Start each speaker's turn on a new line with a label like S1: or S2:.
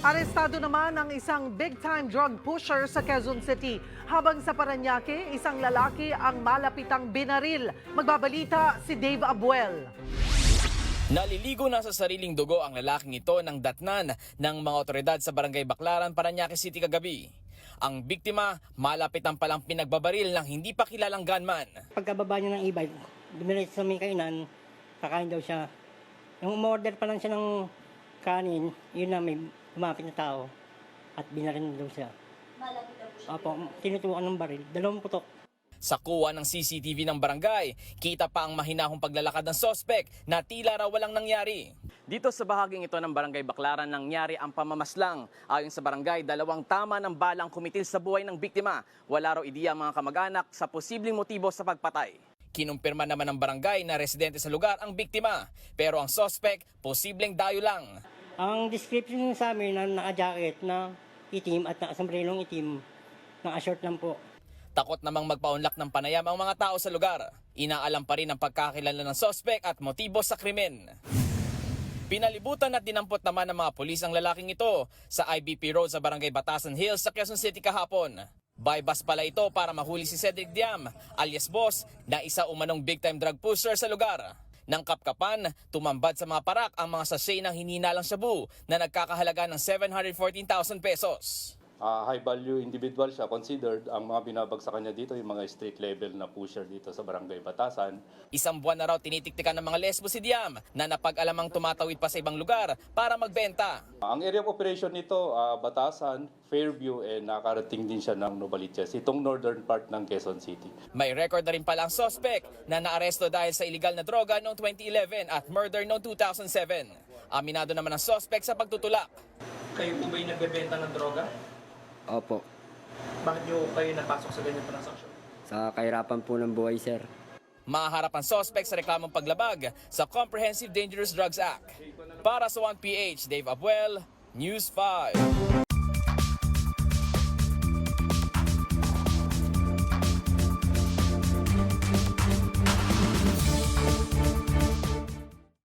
S1: Arestado naman ang isang big-time drug pusher sa Quezon City. Habang sa Parañaque, isang lalaki ang malapitang binaril. Magbabalita si Dave Abuel.
S2: Naliligo na sa sariling dugo ang lalaking ito ng datnan ng mga otoridad sa Barangay Baclaran, Parañaque City kagabi. Ang biktima, malapitan palang pinagbabaril ng hindi pa kilalang gunman.
S3: Pagkababa niya ng e-bike, dumiretso sa may kainan, kakain daw siya. Yung umorder pa lang siya ng kanin, yun na may kumapit na tao at binaril na daw siya. Malapit na po siya? Opo, tinutukan ng baril, 2 putok.
S2: Sa kuha ng CCTV ng barangay, kita pa ang mahinahong paglalakad ng sospek na tila raw walang nangyari. Dito sa bahaging ito ng Barangay Baclaran nangyari ang pamamaslang. Ayon sa barangay, 2 tama ng balang kumitil sa buhay ng biktima. Wala raw ideya ang mga kamag-anak sa posibleng motibo sa pagpatay. Kinumpirma naman ng barangay na residente sa lugar ang biktima, pero ang sospek posibleng dayo lang.
S3: Ang description sa amin na naka-jacket na itim at nakasombrelong itim, naka-short lang po.
S2: Takot namang magpaunlak ng panayam ang mga tao sa lugar. Inaalam pa rin ang pagkakilala ng sospek at motibo sa krimen. Pinalibutan at dinampot naman ng mga pulis ang lalaking ito sa IBP Road sa Barangay Batasan Hills sa Quezon City kahapon. By bus pala ito para mahuli si Cedric Diam, alias Boss, na isa umanong big-time drug pusher sa lugar. Nang kapkapan, tumambad sa mga parak ang mga sachet ng hinihinalang shabu na nagkakahalaga ng 714,000 pesos.
S4: High value individual siya, considered. Ang mga binabagsakan niya dito, yung mga street level na pusher dito sa Barangay Batasan.
S2: Isang buwan na raw tinitiktikan ng mga lesbo si Diam na napag-alamang tumatawid pa sa ibang lugar para magbenta.
S4: Ang area of operation nito, Batasan, Fairview, and nakarating din siya ng Novaliches, itong northern part ng Quezon City.
S2: May record na rin pala ang sospek na naaresto dahil sa illegal na droga noong 2011 at murder noong 2007. Aminado naman ang sospek sa pagtutulak.
S5: Kayo po ba yung nagbebenta ng droga?
S6: Opo.
S5: Bakit nyo kayo napasok sa ganyan transaksyon?
S6: Sa kahirapan po ng buhay, sir.
S2: Maharap ang sospek sa reklamong paglabag sa Comprehensive Dangerous Drugs Act. Para sa 1PH, Dave Abuel, News 5.